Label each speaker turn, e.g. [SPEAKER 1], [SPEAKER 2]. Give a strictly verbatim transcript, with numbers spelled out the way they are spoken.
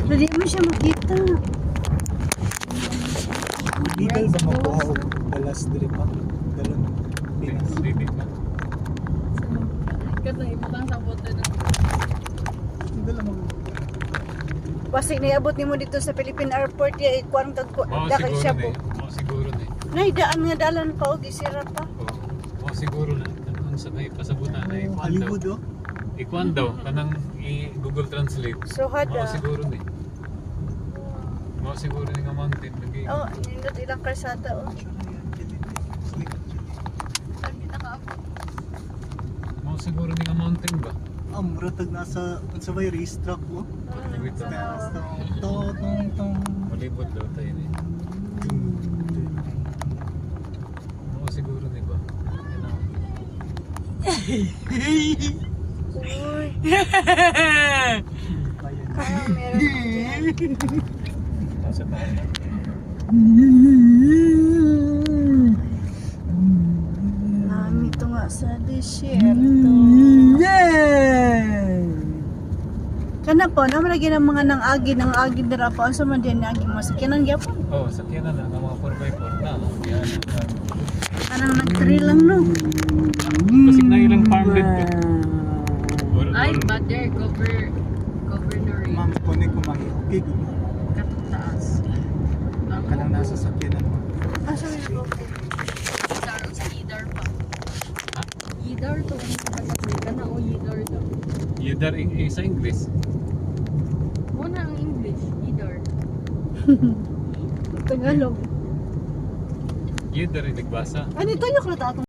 [SPEAKER 1] Hindi mo siya makita.
[SPEAKER 2] Legal ba makuha o balas diri pa? Galon. Pinas.
[SPEAKER 3] Dili ka.
[SPEAKER 4] Kat lang ibutang sa bote na.
[SPEAKER 2] Hindi lang mag...
[SPEAKER 1] Basta niabot nimo dito sa Philippine Airport ya ikuan kag
[SPEAKER 3] Mao
[SPEAKER 1] da kay
[SPEAKER 3] siguro
[SPEAKER 1] siya
[SPEAKER 3] na
[SPEAKER 1] po.
[SPEAKER 3] eh. Mao siguro na eh.
[SPEAKER 1] Nay daan nga dalan pa og isira pa.
[SPEAKER 3] Oo. Mao siguro na. Kanang sa kay pasabutan na ikuan daw.
[SPEAKER 2] Hollywood oh.
[SPEAKER 3] Ikuan daw kanang i-Google Translate.
[SPEAKER 1] So
[SPEAKER 3] Mao
[SPEAKER 1] hada.
[SPEAKER 3] siguro ni. Mao siguro ni nga mountain lagi.
[SPEAKER 1] Oh, nindot ilang kalsada oh.
[SPEAKER 4] Sabi na ka ako.
[SPEAKER 3] Mao siguro ni nga mountain ba?
[SPEAKER 2] Ah, muratag nasa unsa bay racetrack mo.
[SPEAKER 3] Wait,
[SPEAKER 1] Mm,
[SPEAKER 2] Nasa
[SPEAKER 1] so,
[SPEAKER 2] to tong tong.
[SPEAKER 3] Malibot daw tayo ni. Mao siguro ni ba? Yan ang-
[SPEAKER 1] uy,
[SPEAKER 2] Ayan.
[SPEAKER 1] ah, meron ako dyan.
[SPEAKER 3] Sa tayo.
[SPEAKER 1] Nami to nga sa desierto. Kana po, naman lagi ng mga nang agi, nang agi dira po. Asa man din agi mo? Sakyanan gyapon.
[SPEAKER 3] Oh, sakyanan na nga mga four by four na. oh. Yan.
[SPEAKER 1] Kanang nag-trail lang no.
[SPEAKER 3] Kasi na ilang farmland ba? Or-
[SPEAKER 4] Ay,
[SPEAKER 3] or-
[SPEAKER 4] mother, cover, cover na rin.
[SPEAKER 2] Ma'am, kung ko mahi, okay good.
[SPEAKER 4] Katong taas. Ang
[SPEAKER 2] Kanang nasa sakyanan mo.
[SPEAKER 1] Asa man po?
[SPEAKER 4] Idar, sa Idar pa. Idar to, ano sa pagkakay ka na o Idar to.
[SPEAKER 3] Yudar i- i- sa English.
[SPEAKER 4] Muna ang English, Idar.
[SPEAKER 1] Tagalog.
[SPEAKER 3] Yudar i nagbasa.
[SPEAKER 1] Ano tayo kaya